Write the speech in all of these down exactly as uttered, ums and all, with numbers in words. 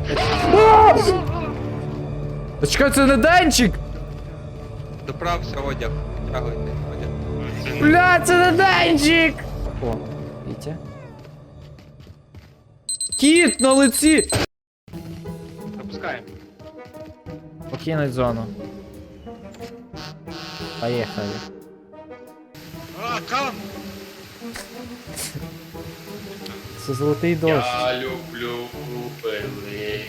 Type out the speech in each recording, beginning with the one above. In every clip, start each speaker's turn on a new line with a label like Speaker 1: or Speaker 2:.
Speaker 1: Та чекай, це не Денчик!
Speaker 2: Доправся одяг, витягуйте одяг.
Speaker 1: Бля, це не Денчик! О, Вітя. Кіт на лиці!
Speaker 3: Запускаємо.
Speaker 1: Покинуть зону. Поехали.
Speaker 3: А, кам!
Speaker 1: Це золотий дощ.
Speaker 3: Я люблю пили.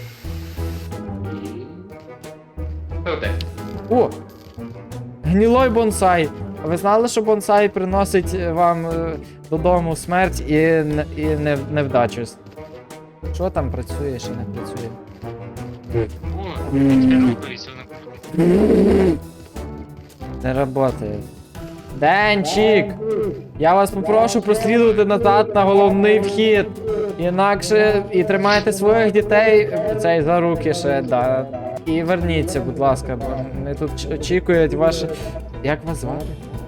Speaker 3: Де?
Speaker 1: О! Гнілой бонсай. А ви знали, що бонсай приносить вам е, додому смерть і, не- і не, невдачу? Що там працює, що не працює?
Speaker 3: О, я рухаюся на
Speaker 1: Не работає. Денчик! Я вас попрошу прослідувати назад на головний вхід. Інакше і тримайте своїх дітей цей за руки ще, да. І верніться, будь ласка, бо вони тут ч- очікують ваше. Як вас звати?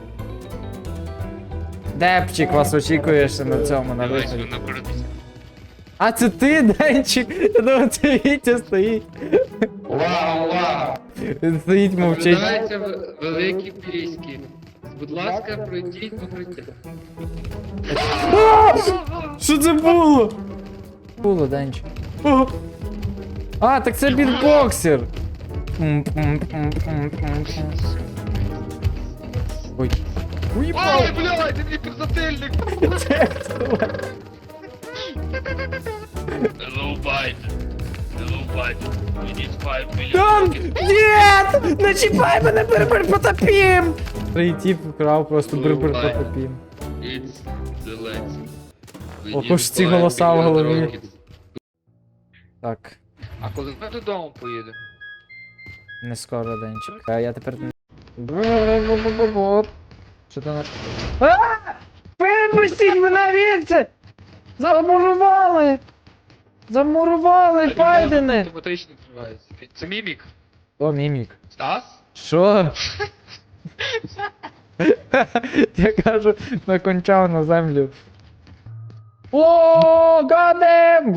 Speaker 1: Депчик вас очікує ще на цьому, на
Speaker 3: Давай
Speaker 1: виході.
Speaker 3: сюди напередися.
Speaker 1: А це ти, Денчик? Я думав, це Вітя стоїть.
Speaker 3: Вау, вау!
Speaker 1: Він стоїть, мовчить.
Speaker 3: Наблюдаються в- великі піськи. Будь ласка, пройдіть покриття.
Speaker 1: А! Що це було? Було, Денчик. О! А, так це бітбоксер. Ой. Уїбав!
Speaker 3: Ой, блядь, ти мені підзатильник! Hello, bite. Hello, bite. We need five million.
Speaker 1: Там! Нет! Не чіпай мене, бр-бр потопім! Третій вкрав просто бр-бр потопім.
Speaker 3: It's the lens. We
Speaker 1: Ого
Speaker 3: need
Speaker 1: ж ці
Speaker 3: five
Speaker 1: голоса в
Speaker 3: million
Speaker 1: голові.
Speaker 3: rockets.
Speaker 1: Так,
Speaker 3: А коли ми додому поїдемо?
Speaker 1: не скоро, Денчик. А я тепер не... Що там на... А! Випустіть мене звідси! Замурували! Замурували, Байдене!
Speaker 3: Автоматично відкривається. Це мімік.
Speaker 1: О, мімік.
Speaker 3: Стас?
Speaker 1: Що? Я кажу, накончав на землю. О, гадем!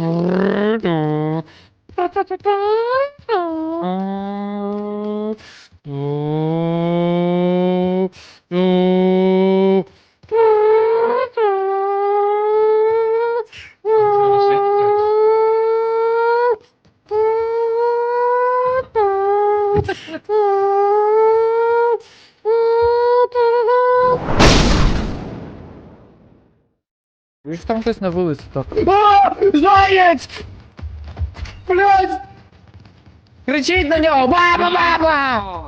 Speaker 1: Ви ж там хтось на вулиці так. А! Заєць! Блядь! Кричіть на нього! Баба, баба!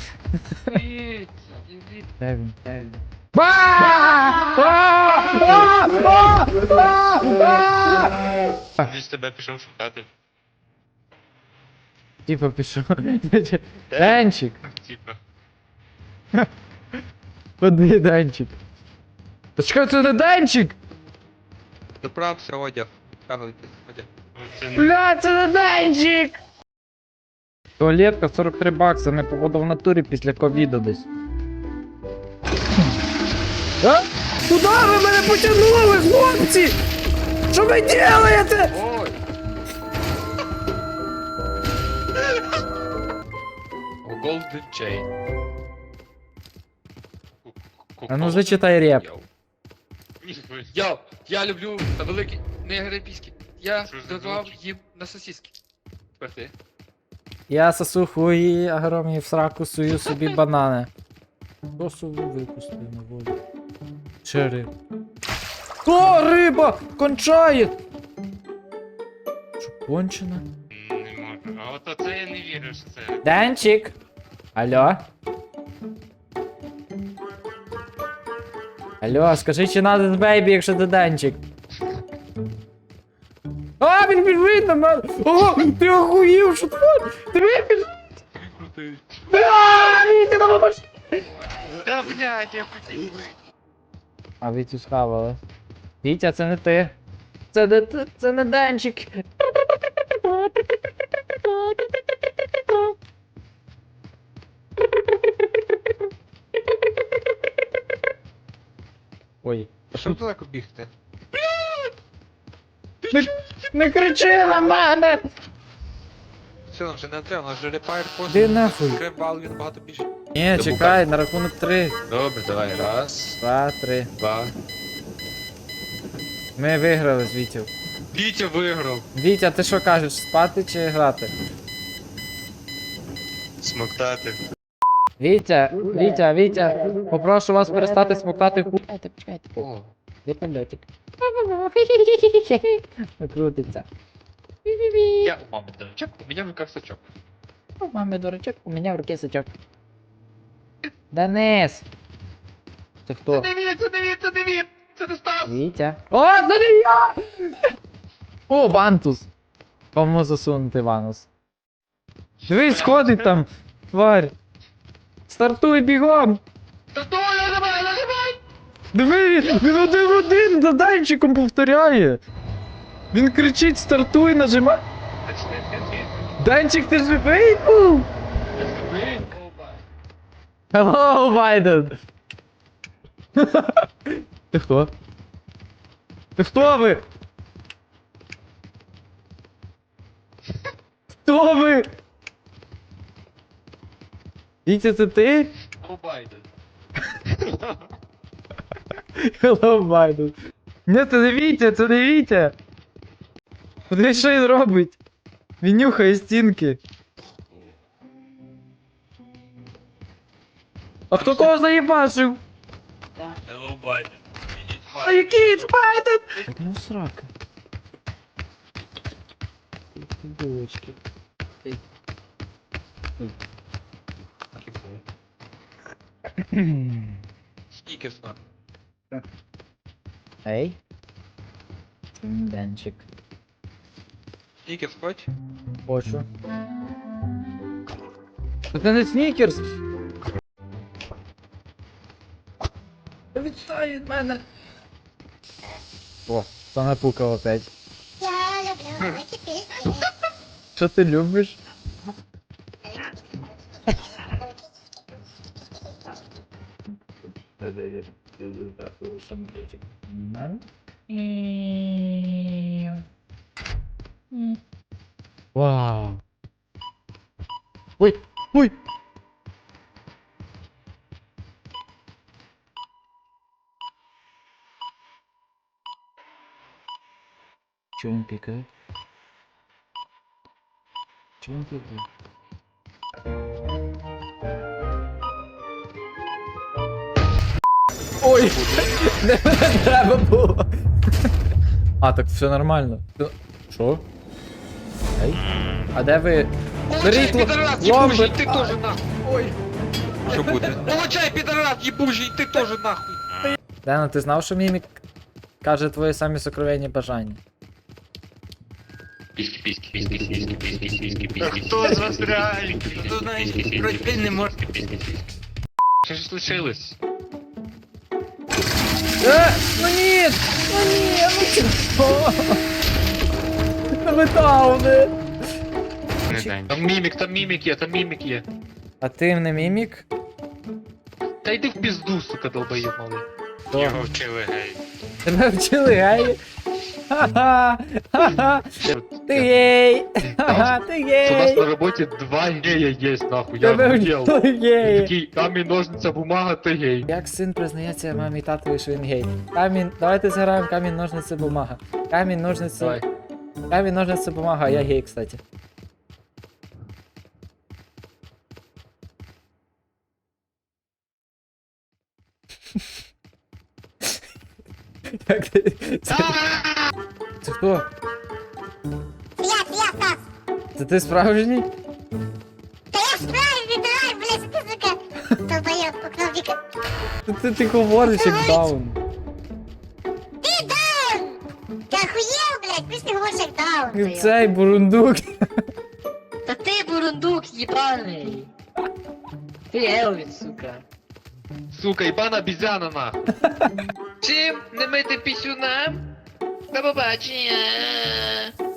Speaker 1: Де він? Де він? Ба! А! А! А! А! А!
Speaker 3: Він з тебе пішов шукати.
Speaker 1: Типа пішов. Денчик!
Speaker 3: Типа.
Speaker 1: Куди Денчик? Та чекай, це не Денчик!
Speaker 2: Доправся одяг, витягуйте одяг.
Speaker 1: Бля, це не Денчик! Туалетка сорок три бакса, не походу в натурі після ковіду десь. А? Куда ви мене потягнули, хлопці? Що ви делаєте?
Speaker 3: Ой! Golden Chain.
Speaker 1: А ну зачитай реп.
Speaker 3: Йоу, я люблю великі негрипійські. Я
Speaker 2: Що ж за
Speaker 3: давав
Speaker 2: звуки?
Speaker 3: їм на сосиски. Тепер ти.
Speaker 1: Я сосу хуї огромні в сраку сую собі банани. Косу випустив на воду. Чери. О, риба! Кончає! Що, кончена?
Speaker 3: Не можу. А от оце я не вірю, що це.
Speaker 1: Денчик! Алло? Алло, скажи, чи надо з бейбі, якщо ти Денчик? А, він біжить на мене! О, ти охуїв, що твориш? Ти біжить!
Speaker 3: Крутий.
Speaker 1: А, Вітя, на машині!
Speaker 3: Та блядь, я хотів.
Speaker 1: А Вітю схавали. Вітя, це не ти. Це не ти, це не Денчик. Ой.
Speaker 2: А що ти так бігти?
Speaker 1: Не, не кричи на мене!
Speaker 2: силам вже не треба, у нас вже репайр пост.
Speaker 1: Іди нахуй.
Speaker 2: Кремвал, він багато більше.
Speaker 1: Ні, чекай, на рахунок три.
Speaker 4: Добре, давай. Раз,
Speaker 1: Два, три.
Speaker 4: два.
Speaker 1: Ми виграли з Вітю.
Speaker 4: Вітя виграв.
Speaker 1: Вітя, ти що кажеш, спати чи грати?
Speaker 4: Смоктати.
Speaker 1: Вітя, Вітя, Вітя, попрошу вас перестати смоктати ху... Почекайте, почекайте.
Speaker 4: О,
Speaker 1: Де польотик? Крутиться.
Speaker 4: я у мами дурачок, у меня в руках сачок.
Speaker 1: У мами дурачок, у мене в руке сачок. Денис! Це хто?
Speaker 4: Це не він, це не він, це не він! Це не Стас!
Speaker 1: Вітя. О, це не я! О, Вантус! Кому засунути Ванус? Дивись, сходить там, тварь! Стартуй бігом!
Speaker 4: Стартуй, нажимай, нажимай!
Speaker 1: Диви, він один в один за Данчиком повторяє! Він кричить, стартуй, нажимай! Данчик, ти живий був? Hello, Байден! Ти хто? Ти хто ви? Хто ви? Вітя, це ти?
Speaker 4: О, Байден.
Speaker 1: Hello, Байден. Ні, це не Вітя, це не Вітя. Подивись, що він робить. Він нюхає стінки. А хто кого заїбашив?
Speaker 4: Hello, Байден.
Speaker 1: А який це Байден? Так не срака. Булочки.
Speaker 2: Скільки сна?
Speaker 1: Ей. Денчик.
Speaker 2: Скільки хоч?
Speaker 1: Хочу. Це не снікерс. Відстань від мене. О, це напукав опять.
Speaker 5: Я люблю такі пісні.
Speaker 1: Що ти любиш? Вау. Ой, ой. Чего он пикает? Чего он пикает? Ой, не треба було. А, так все нормально. Що? Ей? А де ви? Беріть ломби!
Speaker 2: Ти теж нахуй!
Speaker 1: Ой.
Speaker 2: Що буде? Получай, підарас, їбужий, ти теж нахуй!
Speaker 1: Дена, ти знав, що Мімік каже твої самі сокровенні бажання?
Speaker 4: Піски, піски, піски, піски, піски, піски, піски.
Speaker 2: Хто з вас реально? Хто знаєш, пройти не може.
Speaker 4: Що ж случилось?
Speaker 1: Е, ну ні! Ну ні, ну чого? Ну ви дауни!
Speaker 4: Там мімік, там мімік є, там мімік є.
Speaker 1: А ти не Мімік?
Speaker 4: Та йди в пізду, сука, долбоєб малий.
Speaker 1: Його
Speaker 4: вчили гей.
Speaker 1: Тебе вчили гей? Ха-ха! Ха-ха! Ти гей! Ха-ха, ти
Speaker 4: У нас
Speaker 1: гей!
Speaker 4: на роботі два гея є, нахуй, я
Speaker 1: Тебе
Speaker 4: охуєл.
Speaker 1: вчили гей!
Speaker 4: Такий камінь, ножниця, бумага, ти гей.
Speaker 1: Як син признається мамі і татові, що він гей? Камінь, давайте зіграємо камінь, ножниці, бумага. Камінь, ножниці.
Speaker 4: Давай.
Speaker 1: Камінь, ножниці, бумага, я гей, кстати. Як ти- Це це хто?
Speaker 5: Це я, це я, Стас.
Speaker 1: Це ти справжній?
Speaker 5: Та я справжній, давай, блядь, ти, сука. Долбоєб, окно віка.
Speaker 1: Ти, ти, ти говориш як даун.
Speaker 5: Ти даун! Ти охуєв, блядь, ти ж не говориш як даун.
Speaker 1: Цей бурундук.
Speaker 6: Та ти бурундук єбаний! Ти Елвіс, сука.
Speaker 4: Сука, ібана обізяна, нахуй.
Speaker 6: Чим не мити пісюна? До побачення!